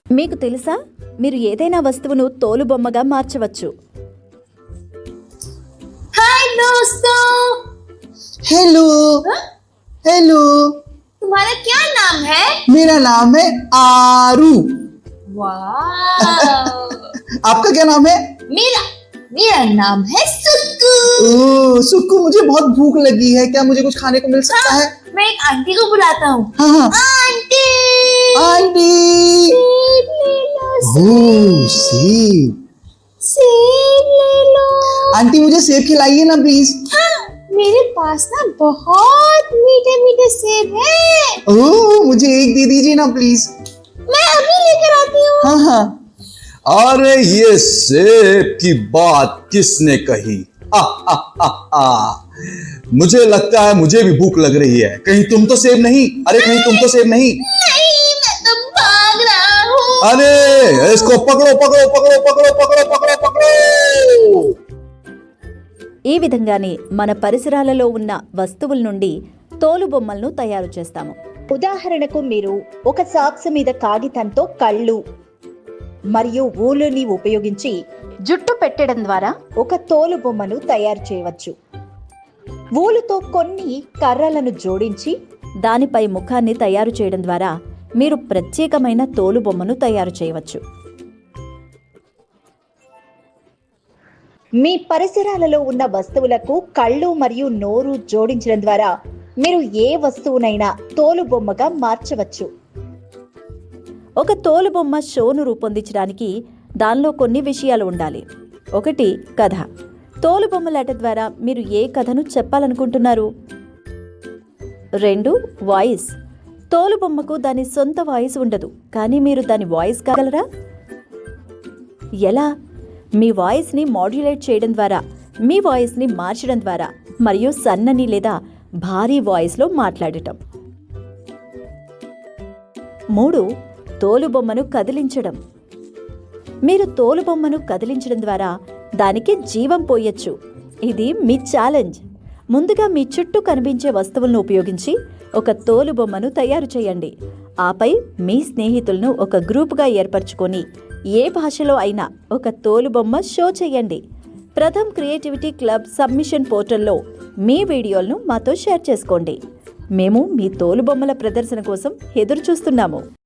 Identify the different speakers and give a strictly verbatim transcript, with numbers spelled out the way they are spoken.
Speaker 1: మీకు తెలుసా, మీరు ఏదైనా వస్తువును తోలుబొమ్మగా మార్చవచ్చు.
Speaker 2: हाय दोस्तों।
Speaker 3: हेलो हेलो
Speaker 2: तुम्हारा क्या नाम है?
Speaker 3: मेरा नाम है आरू।
Speaker 2: वाह।
Speaker 3: आपका क्या नाम है?
Speaker 2: मेरा मेरा नाम है सुक्कू।
Speaker 3: ओह सुक्कू, मुझे बहुत भूख लगी है, क्या मुझे कुछ खाने को मिल सकता
Speaker 2: हाँ,
Speaker 3: है?
Speaker 2: मैं एक आंटी को बुलाता हूँ।
Speaker 3: हाँ हाँ
Speaker 2: आंटी
Speaker 3: आंटी।
Speaker 2: सेब ले लो,
Speaker 3: ओह सेब।
Speaker 2: सेब ले लो।
Speaker 3: आंटी मुझे सेब खिलाइए ना प्लीज।
Speaker 2: हाँ, मेरे पास ना बहुत मीठे मीठे सेब है।
Speaker 3: ओह मुझे एक दे दीजिए ना प्लीज।
Speaker 2: मैं अभी लेकर आती हूँ।
Speaker 3: हाँ हाँ।
Speaker 4: अरे ये सेब की बात किसने कही? आ, आ, आ, आ। मुझे लगता है मुझे भी भूख लग रही है। कहीं तुम तो सेब नहीं? अरे कहीं तुम तो सेब नहीं?
Speaker 2: नहीं, मैं तो भाग रहा हूँ।
Speaker 4: अरे इसको पकड़ो पकड़ो पकड़ो पकड़ो पकड़ो पकड़ो पकड़ो।
Speaker 1: ఈ విధంగానే మన పరిసరాలలో ఉన్న వస్తువుల నుండి తోలుబొమ్మలను తయారు చేస్తాము. ఉదాహరణకు మీరు ఒక సాక్స్ మీద కాగితంతో కళ్ళు మరియు ఊలుని ఉపయోగించి జుట్టు పెట్టడం ద్వారా ఒక తోలుబొమ్మను తయారు చేయవచ్చు. ఊలుతో కొన్ని కర్రలను జోడించి దానిపై ముఖాన్ని తయారు చేయడం ద్వారా మీరు ప్రత్యేకమైన తోలుబొమ్మను తయారు చేయవచ్చు. మీ పరిసరాలలో ఉన్న వస్తువులకు కళ్ళు మరియు నోరు జోడించడం ద్వారా మీరు ఏ వస్తువునైనా తోలుబొమ్మగా మార్చవచ్చు. ఒక తోలుబొమ్మ షోను రూపొందించడానికి దానిలో కొన్ని విషయాలు ఉండాలి. ఒకటి, కథ. తోలుబొమ్మలాట ద్వారా మీరు ఏ కథను చెప్పాలనుకుంటున్నారు? రెండు, వాయిస్. తోలుబొమ్మకు దాని సొంత వాయిస్ ఉండదు, కానీ మీరు దాని వాయిస్ కాగలరా? ఎలా? మీ వాయిస్ని మాడ్యులేట్ చేయడం ద్వారా, మీ వాయిస్ని మార్చడం ద్వారా మరియు సన్నని లేదా భారీ వాయిస్లో మాట్లాడటం. మూడు, తోలుబొమ్మను కదిలించడం. మీరు తోలుబొమ్మను కదిలించడం ద్వారా దానికి జీవం పోయొచ్చు. ఇది మీ ఛాలెంజ్. ముందుగా మీ చుట్టూ కనిపించే వస్తువులను ఉపయోగించి ఒక తోలుబొమ్మను తయారు చేయండి. ఆపై మీ స్నేహితులను ఒక గ్రూపుగా ఏర్పరచుకొని ఏ భాషలో అయినా ఒక తోలుబొమ్మ షో చేయండి. ప్రథమ్ క్రియేటివిటీ క్లబ్ సబ్మిషన్ పోర్టల్లో మీ వీడియోలను మాతో షేర్ చేసుకోండి. మేము మీ తోలుబొమ్మల ప్రదర్శన కోసం ఎదురు చూస్తున్నాము.